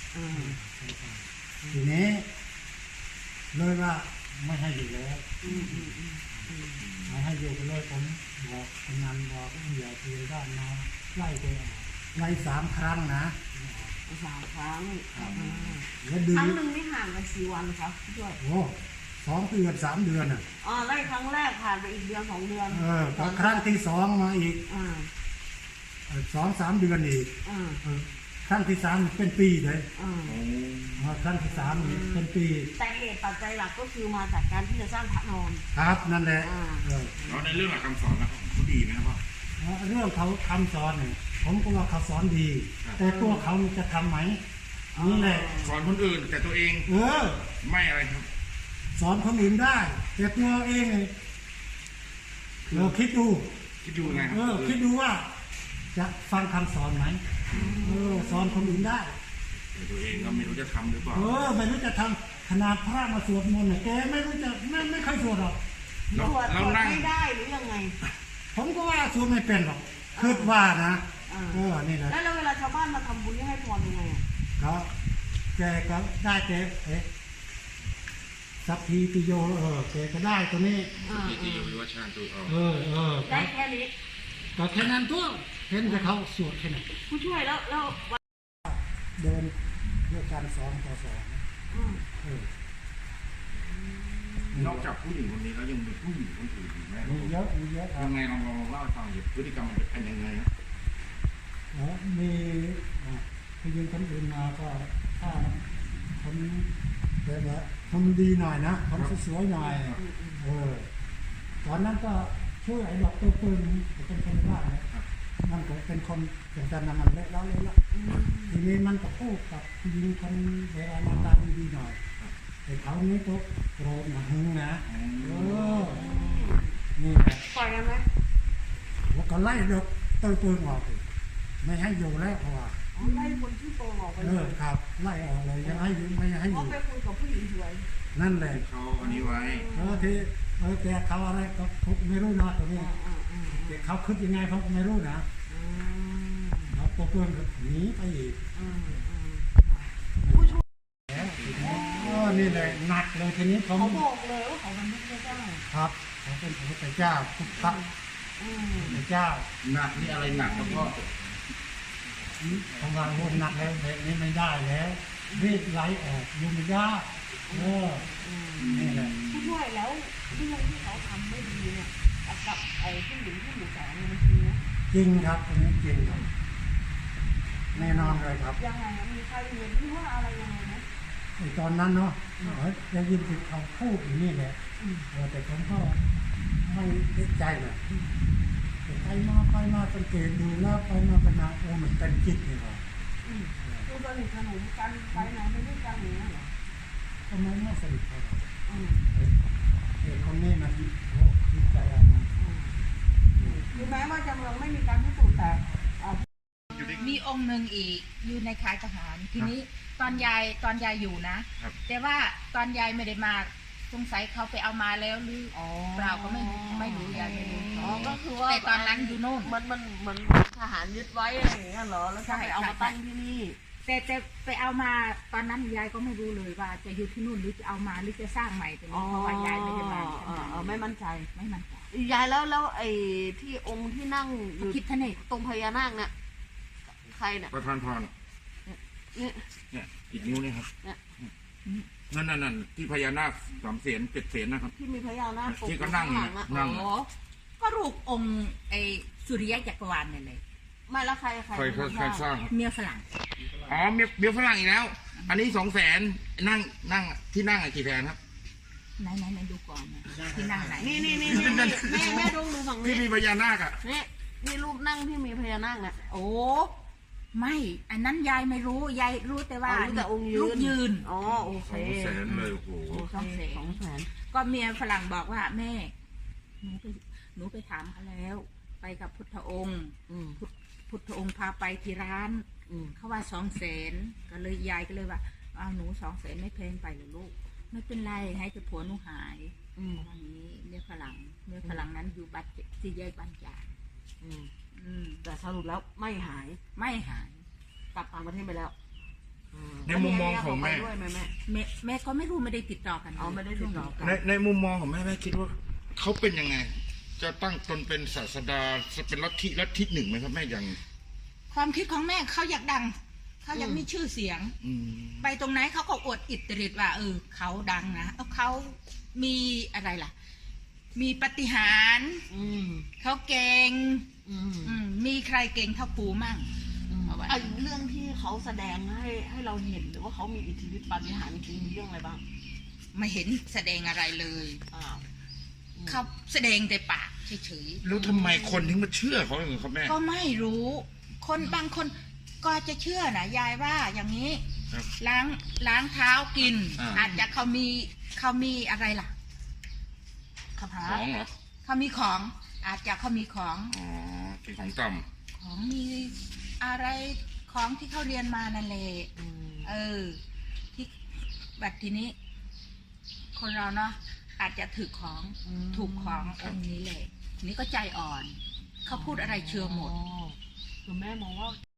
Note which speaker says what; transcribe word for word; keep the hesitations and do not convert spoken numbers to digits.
Speaker 1: ทีนี้เลยว่าไม่ให้อยู่แล้วไม่ให้อยู่ไปเลยผมบอกกำนันบอกอย่าตีด้านมาไล่ไปออกไล่สามครั้งนะ
Speaker 2: สามครั้งครั้งหนึ่งไม่ห่างกันสี่วันครับด้วย
Speaker 1: โอ้สองเดือนสามเดือนอ่ะ
Speaker 2: อ๋อไล่ครั้งแรกผ่านไปอีกเดือนสองเดือน
Speaker 1: เออพอครั้งที่สองมาอีกสองสามเดือนอีกครั้งที่สามเป็นปีเลยครั้งที่สามเป็นปี
Speaker 2: แต่เหตุปัจจัยหลักก็คือมาจากการที่จะสร้างพระนอน
Speaker 1: ครับนั่นแหละ
Speaker 3: แล้วในเรื่องหลักคำสอนแล้วเขาดีไหมครับพ่
Speaker 1: อเรื่องเขาคำสอนเนี่ยผมก็ว่าเขาสอนดีแต่ตัวเขาจะทำไหมนี่แหละ
Speaker 3: สอนคนอื่นแต่ตัวเอง
Speaker 1: เออ
Speaker 3: ไม่อะไรครับ
Speaker 1: สอนคนอื่นได้แต่ตัวเองเราคิดดู
Speaker 3: คิดดูไง
Speaker 1: เออคิดดูว่าจะฟังคำสอนไหมเออสอนคนอื่นได้
Speaker 3: แต่ตัวเองก็ไม่รู้จะทำหรือเปล่า
Speaker 1: เออไม่รู้จะทำขนาดพระมาสวดมนต์เนี่ยแกไม่รู้จะไม่ไม่เคยสวดหรอก
Speaker 2: สวดสวดไม่ได้หรือยังไง
Speaker 1: ผมก็ว่าสวดไม่เป็นหรอกคิดว่านะเออนี่แหละ
Speaker 2: แล้วเวลาชาวบ้านมาทำบุญให้พรยังไง
Speaker 1: ก็แกก็ได้แกเอ๊ะสัพพีติโยเออแกก็ได้ตัวนี้
Speaker 3: สัพพีติโยวิวัชชานตัว
Speaker 1: เออเออ
Speaker 2: ได้แค่นี้
Speaker 1: ก็แค่นั้นตัวเห็นแต่เขาสวดแค่นั้น
Speaker 2: ผู้ช่วยแล้วแล้ว
Speaker 1: เดินเรื่องการสอนต่อสอน
Speaker 3: นอกจากผู้หญิงคนนี้แล้วยังมีผู้หญิงคนอื่นอีกไหม
Speaker 1: มีเยอะมีเยอะ
Speaker 3: ยังไงลองลองเล่าให้ฟังพฤติกรรมมันเป็นยังไงนะ
Speaker 1: อ๋อมีผู้หญิงคนอื่นมาก็ถ้าคนแบบว่าคนดีหน่อยนะคนสวยๆหน่อยเออตอนนั้นก็ช่วยไอ้ดอกตัวปืนเป็นคนบ้านมันก็เป็นคนอย่างนั้นมันเละแล้วเลยละทีนี้มันก็พูดกับผู้หญิงคนเวลาหน้าตาดีๆหน่อยแต่เขานี้ก็โกรธหนักหึงนะเออนี่แหละ
Speaker 2: ปล่อยกันไหม
Speaker 1: ว่าก็ไล่ดอกตัวปืนออกไม่ให้อยู่แล้วเพราะว่า
Speaker 2: ไล่คนที่โกงออกไป
Speaker 1: เออครับไล่ออกเลยยังให้อยู่ไม่ให้อยู่
Speaker 2: ไปคุยกับผู้หญิงสวย
Speaker 1: นั่นแหละ
Speaker 3: เขาอันนี้ไว้
Speaker 1: เออที่เออแกเขาอะไรก็ไม่รู้นะตัวนี้แต่เขาคิดยังไงเขาไม่รู้นะแล้วตัวเพื่อนก็หนีไปอีก
Speaker 2: ผู้ช่วย
Speaker 1: อ๋อนี่เลยหนักเลยทีนี้
Speaker 2: เขาบอกเลยว่าเขาเป็นพระเจ้า
Speaker 1: ครับเขาเป็นพระเจ้าพุทธพระเจ้า
Speaker 3: หนักนี่อะไรหนักครับพ่อ
Speaker 1: ทำงานโหดหนักแล้วแบบนี้ไม่ได้แล้วรีดไหลออกยุ่งยากเออนี่แหละ
Speaker 2: ผู้ช่วยแล้วเรื่องที่เขาทำไม่ดีเนี่ยกับไอ้ผู้หญิงที่หมู่สองมันจริงนะ
Speaker 1: จริงครับตรงนี้จริงครับแน่นอนเลยครับ
Speaker 2: ยังไงมีใครเห็นที่ว่าอะไรยังไงไหม
Speaker 1: ในตอนนั้นเนาะได้ยินเขาพูดอย่างนี้แหละแต่ผมก็ไม่ได้ใจนะไปมาไปมาสังเกตดูแล้วไปมาเป็นนาโอ้มันเป็นจิตเลยครับ
Speaker 2: คือสนิทสนมกันไปไหนไม่ได้กันอย่างนี้เหรอ
Speaker 1: ทำไมไม่สนิทกันเด็กคนนี้มันโอ้คิดใจอะไรนะ
Speaker 2: คือแม้ว่าจำลองไม่มีการพิสูจน์แต่
Speaker 4: มีองค์หนึ่งอีกอยู่ในค่ายทหารทีนี้ตอนยายตอนยายอยู่นะแต่ว่าตอนยายไม่ได้มาสงสัยเขาไปเอามาแล้วหรือเปล่าก็ไม่ไม่รู้ยายไม่รู้
Speaker 2: อ๋อก็คือว่า
Speaker 4: แต่ตอนนั้นอยู่โน่น
Speaker 2: มันมันเหมือนทหารยึดไว้อะไรอย่างเงี้ยเหรอแล้วก็ไปเอามาตั้งที่นี่
Speaker 4: แต่แต่ไปเอามาตอนนั้นยายก็ไม่รู้เลยว่าจะอยู่ที่นู่นหรือจะเอามาหรือจะสร้างใหม่แต่เพราะว่ายายไม่ได้มา
Speaker 2: ไม่มั่นใจ
Speaker 4: ไม่มั่นใจ
Speaker 2: ยายแล้วแล้วไอ้ที่องค์ที่นั่ง
Speaker 4: อยู่คิดทะเนศ
Speaker 2: ตรงพญานาคเนี่ยใครเนี่ย
Speaker 3: ประธานพรเนี่ยเนี่ยอีกนิ้วนี่ครับนั่นนั่นนั่นที่พญานาคสามเสียนเจ็ดเสียนนะครับ
Speaker 2: ที่มีพญานาค
Speaker 3: ที่ก็นั่งนั่ง
Speaker 4: ก็รูปองค์ไอ้สุริยะจักรวาลเนี่ยเลย
Speaker 2: ไม่แล้วใครใคร
Speaker 3: ใครสร้าง
Speaker 4: เมียฝรั่ง
Speaker 3: อ๋อเมียเมียฝรั่งอีกแล้วอันนี้สองแสนนั่งนั่งที่นั่งกี่แสนครับ
Speaker 4: ไหนไหนไหนดูก่อนที่นั่งไหน
Speaker 2: นี่นี่นี่แม่แม่ดูดูฝั่งนี้
Speaker 3: ที่มีพญานาคอ่ะ
Speaker 2: นี่นี่รูปนั่งที่มีพญานาคเนี่ยโอ้
Speaker 4: ไม่อันนั้นยายไม่รู้ยายรู้แต่ว่า
Speaker 2: แต่องค์ยืน
Speaker 4: ยืน
Speaker 2: อ๋อโอเค
Speaker 3: สองแสนเลยโอ้โห
Speaker 4: สองแสน
Speaker 2: สองแสน
Speaker 4: ก็เมียฝรั่งบอกว่าแม่หนูไปหนูไปถามเขาแล้วไปกับพุทธองค์พุทธองค์พาไปที่ร้านเขาว่าสองแสนก็เลยยายก็เลยว่าเอาหนูสองแสนไม่แพงไปหรอลูกไม่เป็นไรให้แต่ผัวหนูหายวันนี้เมียฝรั่งเมียฝรั่งนั้นอยู่บัตรที่แยกบ้านจ่า
Speaker 2: แต่สรุปแล้วไม่หาย
Speaker 4: ไม่หาย
Speaker 2: กลับต่างประเทศไปแล้ว
Speaker 3: ในมุมมองของแม่
Speaker 2: ด้วยไหมแม่
Speaker 4: แม่แม่ก็ไม่รู้ไม่ได้ติดต่อกัน
Speaker 2: อ๋อไม่ได้ติดต่อกัน
Speaker 3: ในในมุมมองของแม่แม่คิดว่าเขาเป็นยังไง จะตั้งตนเป็นศาสดาเป็นลัทธิลัทธิหนึ่งไหมครับแม่ยัง
Speaker 4: ความคิดของแม่เขาอยากดังเขาอยากมีชื่อเสียง
Speaker 3: อืม
Speaker 4: ไปตรงไหนเขาก็อวดอิตริดว่าเออเขาดังนะเอาเขามีอะไรล่ะ มีปาฏิหารย์
Speaker 2: อืม
Speaker 4: เขาเก่ง
Speaker 2: อืม
Speaker 4: อืมมีใครเก่งเท่าปูมั่ง เอาไว้
Speaker 2: ไอ้เรื่องที่เขาแสดงให้ให้เราเห็นหรือว่าเขามีอิทธิฤทธิปาฏิหาริย์จริงๆมีเรื่องอะไรบ้าง
Speaker 4: ไม่เห็นแสดงอะไรเลย
Speaker 2: อ้าว
Speaker 4: เขาแสดงแต่ปากเฉย
Speaker 3: แล้วทำไมคนถึงมาเชื่อเขาอย่างนี้ครับแม่
Speaker 4: ๆก็ไม่รู้ คนบางคนก็จะเชื่อนะยายว่าอย่างนี้
Speaker 3: ครับ
Speaker 4: ล้างล้างเท้ากิน
Speaker 3: อ่า
Speaker 4: อาจจะเขามีเขามีอะไรล่ะ
Speaker 2: คาถา
Speaker 3: ของเหรอ
Speaker 4: เขามีของ อาจจะเขามีของ
Speaker 3: อ๋อเป็นของต่
Speaker 4: ของมีอะไรของที่เขาเรียนมานั่นแหละ
Speaker 2: อืม
Speaker 4: เออ ที่แบบทีนี้ คนเราเนาะอาจจะถือของถูกขององค์นี้แหละนี่ก็ใจอ่อน เขาพูดอะไรเชื่อหมด
Speaker 2: อ๋อคือแม่มองว่า